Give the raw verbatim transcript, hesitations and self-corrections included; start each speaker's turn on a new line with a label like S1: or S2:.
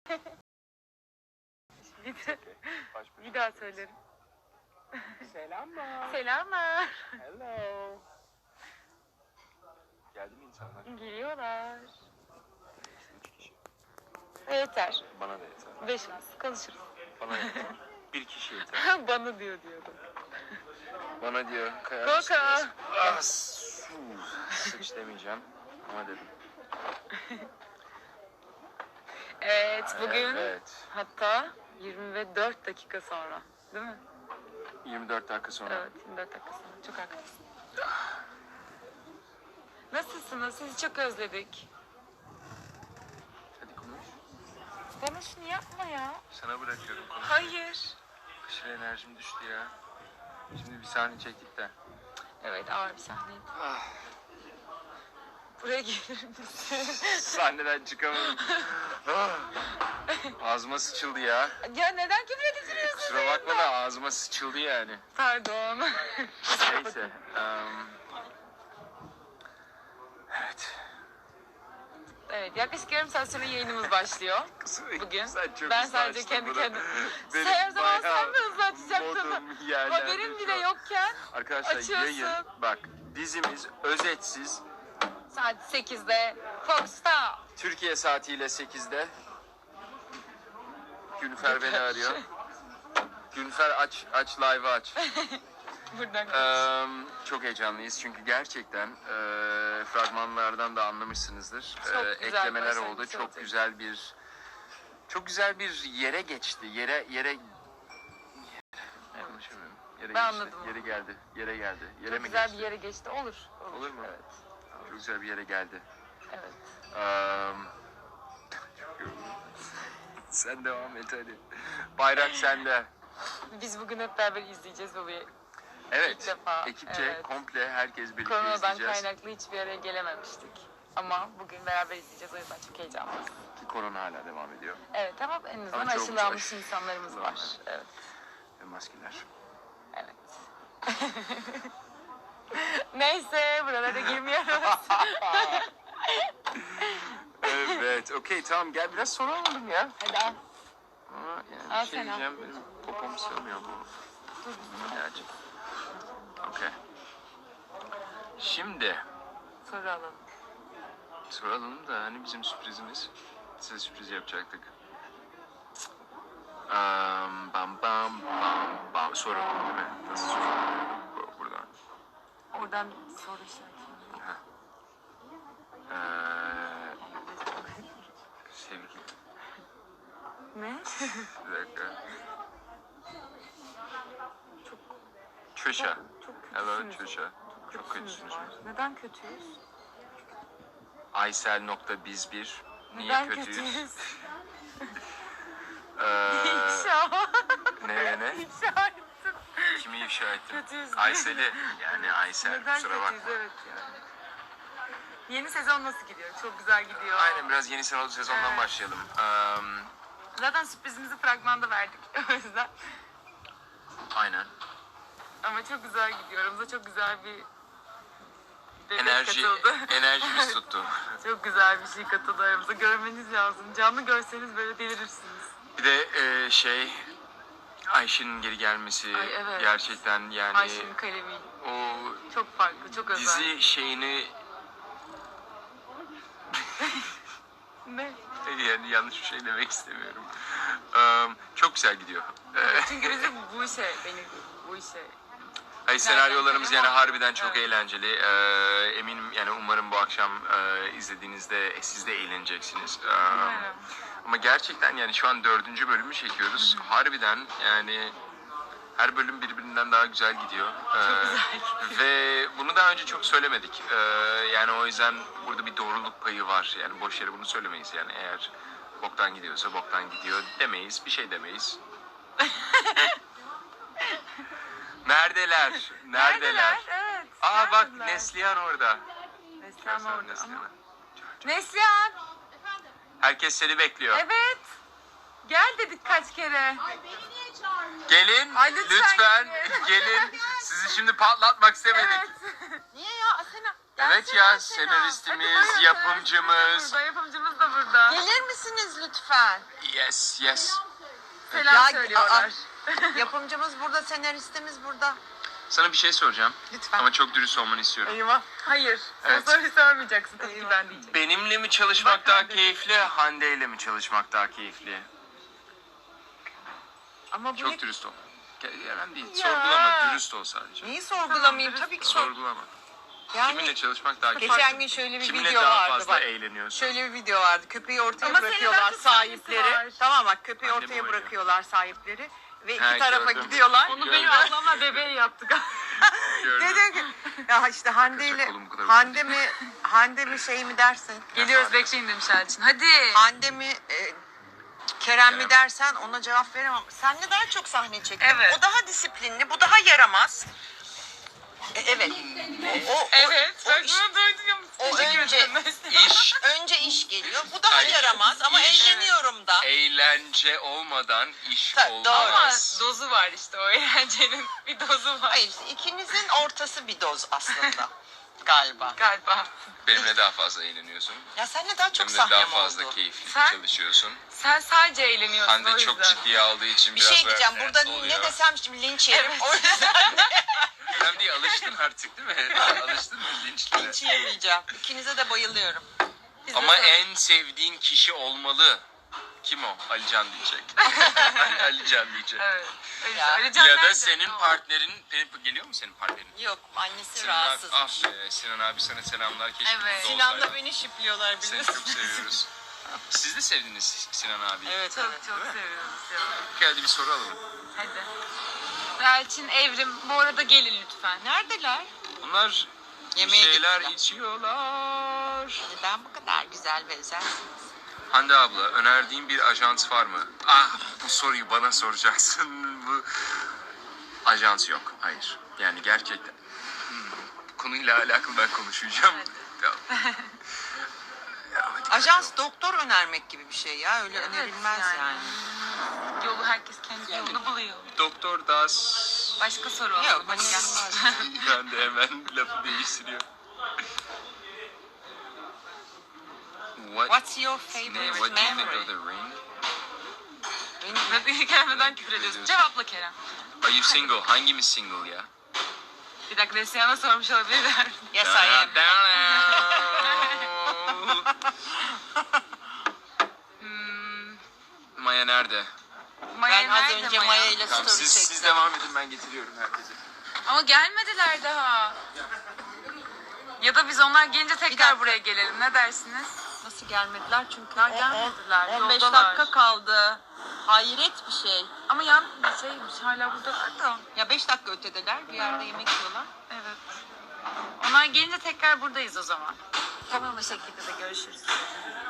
S1: bir, de, bir daha söylerim.
S2: Selamlar.
S1: Selamlar.
S2: Hello. Geldi mi insanlar?
S1: Geliyorlar.
S2: Üç kişi.
S1: Yeter.
S2: Bana da yeter.
S1: Beşimiz konuşuruz.
S2: Bana yeter. Bir kişi yeter.
S1: Bana diyor diyordum.
S2: Bana diyor.
S1: Koka.
S2: Ah, su. Sıç demeyeceğim. Ama dedim.
S1: Evet bugün
S2: Evet.
S1: hatta yirmi dört dakika sonra değil mi?
S2: yirmi dört dakika sonra.
S1: Evet yirmi dört dakika sonra. Çok haklısın. Nasılsınız? Sizi çok özledik.
S2: Hadi konuş.
S1: Bana şunu yapma ya.
S2: Sana bırakıyorum konuş.
S1: Hayır.
S2: Aşırı enerjim düştü ya. Şimdi bir sahne çektik de.
S1: Evet ağır bir sahneydi.
S2: Ah.
S1: Buraya gelir misin?
S2: Sahneden çıkamadım. Ah. Ağzıma sıçıldı ya.
S1: Ya neden küfür ediliyorsun?
S2: Kusura bakma da ağzıma sıçıldı yani.
S1: Pardon.
S2: Neyse. Um, evet.
S1: Evet yaklaşık yarım saat sonra yayınımız başlıyor. Bugün.
S2: Sen çok
S1: Ben
S2: hızlı
S1: sadece
S2: açtın
S1: kendi
S2: bunu.
S1: kendime.
S2: Benim
S1: Her zaman
S2: bayağı
S1: sen mi hızlı açacaktın?
S2: modum yerlerde
S1: Haberin
S2: şu
S1: bile
S2: an.
S1: yokken
S2: Arkadaşlar
S1: açıyorsun.
S2: yayın bak dizimiz özetsiz
S1: saat sekizde Fox'ta.
S2: Türkiye saatiyle sekizde. Günfer beni arıyor. Günfer aç aç live aç.
S1: Buradan
S2: Ee, çok heyecanlıyız çünkü gerçekten e, fragmanlardan da anlamışsınızdır.
S1: Çok
S2: Ee,
S1: güzel
S2: eklemeler
S1: başlangıç
S2: oldu. Çok
S1: olacak.
S2: güzel bir çok güzel bir yere geçti. Yere yere konuşamıyorum. Yere
S1: Ben
S2: geçti.
S1: anladım.
S2: Yere geldi. Yere geldi. Yere
S1: çok
S2: mi
S1: güzel
S2: geçti?
S1: bir yere geçti. Olur. Olur,
S2: Olur mu?
S1: Evet.
S2: Çok güzel bir yere geldi.
S1: Evet.
S2: Ee, çok yoruldum. Sen devam et hadi. Bayrak sende.
S1: Biz bugün hep beraber izleyeceğiz babayı.
S2: Evet.
S1: İlk defa,
S2: Ekipçe
S1: evet.
S2: komple herkes birlikte
S1: Koronadan
S2: izleyeceğiz.
S1: kaynaklı hiçbir yere gelememiştik. Ama bugün beraber izleyeceğiz. O yüzden çok heyecanlıyız.
S2: Ki korona hala devam ediyor.
S1: Evet ama en azından
S2: Ama çok
S1: aşılanmış
S2: güzel.
S1: insanlarımız var. Evet.
S2: Ve maskeler.
S1: Evet. Neyse buralara girmiyoruz.
S2: Evet. Okey tamam gel biraz soru alalım ya.
S1: Hadi al.
S2: Ama yani
S1: Al
S2: bir şey
S1: sen al.
S2: diyeceğim. Benim popom sığmıyor bu. Gerçi. Okey. Şimdi
S1: Soru alalım.
S2: soralım da hani bizim sürprizimiz. Size sürpriz yapacaktık. Um, bam bam bam bam. Soralım değil mi? Nasıl soralım? Bu- Buradan.
S1: Oradan soru işareti.
S2: Ee, sevgili.
S1: Ne?
S2: Bir dakika. Trisha.
S1: Çok
S2: Hello
S1: kötüsünüz.
S2: Trisha. Çok
S1: kötüsünüz
S2: kötüsünüz.
S1: var. Neden kötüyüz?
S2: Aysel nokta biz bir. Niye
S1: Neden
S2: kötüyüz?
S1: kötüyüz?
S2: Ee,
S1: İfşa.
S2: ne ne?
S1: İfşa ettim.
S2: Kimi ifşa ettim?
S1: Kötüyüz.
S2: Aysel'i. Yani Aysel.
S1: Neden
S2: Kusura
S1: kötüyüz?
S2: bakma.
S1: Evet yani. Yeni sezon nasıl gidiyor? Çok güzel gidiyor.
S2: Aynen biraz yeni sezon- sezondan
S1: Evet.
S2: başlayalım. Um,
S1: Zaten sürprizimizi fragmanda verdik o yüzden.
S2: aynen.
S1: Ama çok güzel gidiyor. Aramıza çok güzel bir bebek
S2: Enerji,
S1: katıldı.
S2: enerjimiz tuttu.
S1: Çok güzel bir şey katıldı aramıza. Görmeniz lazım. Canlı görseniz böyle delirirsiniz.
S2: Bir de e, şey Ayşe'nin geri gelmesi
S1: Ay, evet.
S2: gerçekten yani
S1: Ayşe'nin kalemi
S2: o
S1: çok farklı, çok özel.
S2: dizi şeyini
S1: Ne?
S2: yani yanlış bir şey demek istemiyorum. Um, çok güzel gidiyor. Ee,
S1: Çünkü bizim bu işe, benim bu işe.
S2: Hayır, senaryolarımız yani
S1: Ama-
S2: harbiden çok
S1: Evet.
S2: eğlenceli. Ee, eminim yani umarım bu akşam e, izlediğinizde siz de eğleneceksiniz. Ee,
S1: Umarım.
S2: ama gerçekten yani şu an dördüncü bölümü çekiyoruz. Harbiden yani her bölüm birbirinden daha güzel gidiyor. Ee,
S1: güzel.
S2: Ve bunu daha önce çok söylemedik. Ee, yani o yüzden burada bir doğruluk payı var. Yani boş yere bunu söylemeyiz. Yani eğer boktan gidiyorsa boktan gidiyor demeyiz. Bir şey demeyiz. Neredeler? Neredeler?
S1: Neredeler? Evet.
S2: Aa bak
S1: neredeler?
S2: Neslihan orada.
S1: Neslihan
S2: Görsene
S1: orada.
S2: Neslihan'ı.
S1: Ama... Neslihan!
S2: Herkes seni bekliyor.
S1: Evet. Gel dedik kaç kere.
S3: Ay beni niye çağırmıyor?
S2: Gelin
S1: Ay, lütfen
S2: lütfen
S1: gelin.
S2: gelin. Sizi şimdi patlatmak istemedik.
S1: Evet.
S3: Niye ya? Asena.
S2: Evet ya, senaristimiz, yapımcımız.
S1: Burada, yapımcımız da burada.
S4: Gelir misiniz lütfen?
S2: Yes, yes.
S1: Selam
S4: Ya,
S1: söylüyorlar.
S4: Yapımcımız burada, senaristimiz burada.
S2: Sana bir şey soracağım.
S4: Lütfen.
S2: Ama çok dürüst olmanı istiyorum.
S4: Eyvah.
S1: Hayır.
S2: Evet.
S1: O soruyu sormayacaksın. Tabii ki ben diyeceğim.
S2: Benimle mi çalışmak
S1: Bak
S2: daha
S1: Hande.
S2: keyifli, Hande ile mi çalışmak daha keyifli?
S4: Ama bu ne?
S2: Çok dürüst ol. Ge- Önemli değil.
S4: Ya.
S2: Sorgulama, dürüst ol sadece.
S4: Neyi sorgulamayayım?
S1: Tamam,
S4: Tabii ki sor.
S2: Sorgulama.
S4: Yani
S2: Kiminle çalışmak daha keyifli?
S4: geçen gün şöyle bir
S2: Kiminle
S4: video
S2: daha
S4: vardı
S2: fazla
S4: bak.
S2: eğleniyorsun?
S4: Şöyle bir video vardı. Köpeği ortaya
S1: Ama senin
S4: bırakıyorlar
S1: daha çok sahnesi
S4: sahipleri.
S1: var.
S4: Tamam bak, köpeği
S2: Annem
S4: ortaya
S2: oynuyor.
S4: bırakıyorlar sahipleri. Ve iki
S2: Ha,
S4: tarafa
S2: gördüm.
S4: gidiyorlar.
S1: Onu
S2: Gördüm.
S1: benim ablamla bebeği yaptık.
S2: Gördüm.
S4: Dedim ki ya işte Hande ile
S2: Kolum bu kadar
S4: Hande mi Hande mi şey mi dersin?
S1: Geliyoruz, bekleyin demiş Elçin. Hadi.
S4: Hande mi e, Kerem mi
S2: Kerem.
S4: dersen ona cevap veremem. Senle daha çok sahne çektim.
S1: Evet.
S4: O daha disiplinli, bu daha yaramaz. E, evet. O, o,
S1: Evet.
S4: o,
S1: Ben
S4: iş-
S1: bunu duydum.
S4: o
S1: Teşekkür
S4: önce
S1: ederim.
S2: İş,
S4: önce iş geliyor. Bu daha
S2: Ay,
S4: yaramaz ama
S2: iş-
S4: eğleniyorum da.
S2: eğlence olmadan iş
S4: Ta- doğru.
S1: Ama
S2: olmaz.
S1: dozu var işte, o eğlencenin bir dozu var.
S4: Hayır, ikinizin ortası bir doz aslında. Galiba.
S1: Galiba.
S2: Benimle daha fazla eğleniyorsun.
S4: Ya seninle daha çok
S2: Benimle daha
S4: sahnem
S2: fazla
S4: oldu.
S2: keyifli
S1: Sen-
S2: çalışıyorsun.
S1: Sen sadece eğleniyorsun, o
S2: Hande
S1: yüzden.
S2: çok ciddiye aldığı için
S4: Bir
S2: biraz
S4: şey diyeceğim.
S2: böyle
S4: Burada
S2: oluyor.
S4: ne desem şimdi linç yerim.
S1: Evet.
S4: O yüzden
S2: Önemli değil, alıştın artık değil mi? Alıştın mı linçlere?
S4: linç yemeyeceğim. İkinize de bayılıyorum.
S1: Biz de
S2: Ama
S1: sonra-
S2: en sevdiğin kişi olmalı. Kim o? Alican diyecek. Ali- Alican diyecek.
S1: Evet. öyle.
S4: Ya.
S1: Öyle Can
S2: Ya da
S1: nerede?
S2: senin
S1: Tamam.
S2: partnerin, benim- geliyor mu senin partnerin?
S4: Yok, annesi
S2: Sinan abi,
S4: rahatsız.
S2: ah be, Sinan abi sana selamlar. Keşke
S1: Evet.
S2: burada
S4: Sinan'la
S2: olsaydın.
S4: beni şipliyorlar
S2: Seni
S4: biliyorsun.
S2: çok seviyoruz. Siz de sevdiniz Sinan abi.
S4: Evet,
S1: Çok
S4: evet.
S1: çok seviyoruz ya.
S2: Geldi bir soru alalım.
S1: Hadi. Elçin, Evrim, bu arada gelin lütfen.
S4: Neredeler?
S2: Bunlar bir
S4: Yemeğe
S2: şeyler
S4: gittiler.
S2: içiyorlar.
S4: Neden bu kadar güzel ve özelsiniz?
S2: Hande abla, önerdiğin bir ajans var mı? Ah, bu soruyu bana soracaksın. Bu ajans yok. Hayır. Yani gerçekten. Hmm, konuyla alakalı ben konuşacağım. Tamam. Ya, hadi
S4: Ajans
S2: bakalım.
S4: doktor önermek gibi bir şey ya. Öyle
S1: Evet,
S4: önerilmez yani.
S1: yani. Yolu herkes kendi yolunu buluyor.
S2: Doktor Das.
S1: Başka soru
S4: Yok,
S1: alalım. Hadi gel.
S4: önerilmez.
S2: Ben de hemen lafı değiştiriyor. What,
S4: What's your
S2: ne,
S4: favorite
S2: what do you think
S4: memory?
S2: of the ring?
S4: Benim-
S1: Ve bir kelimeden küfür ediyorsun. Cevapla Kerem.
S2: Are you single? Hangimiz single ya?
S1: Bir dakika, Neslihan'a sormuş olabilirler.
S4: Yes, I am.
S1: Hmm,
S2: Maya nerede?
S1: Maya
S4: Ben az
S1: nerede
S4: önce
S1: Maya?
S4: Maya ile
S2: Tamam,
S4: story
S2: siz,
S4: çektim.
S2: siz devam edin, ben getiriyorum herkese.
S1: Ama gelmediler daha. Ya da biz onlar gelince
S4: dakika.
S1: tekrar buraya gelelim. Ne dersiniz?
S4: Nasıl gelmediler? Çünkü
S1: Daha gelmediler,
S4: on beş
S1: yoldalar.
S4: dakika kaldı. Hayret bir şey.
S1: Ama yan şeymiş, hala buradalar da.
S4: Ya beş dakika ötedeler. Bir yerde yemek yiyorlar.
S1: Evet. Onlar gelince tekrar buradayız o zaman. Tamam, o şekilde de görüşürüz.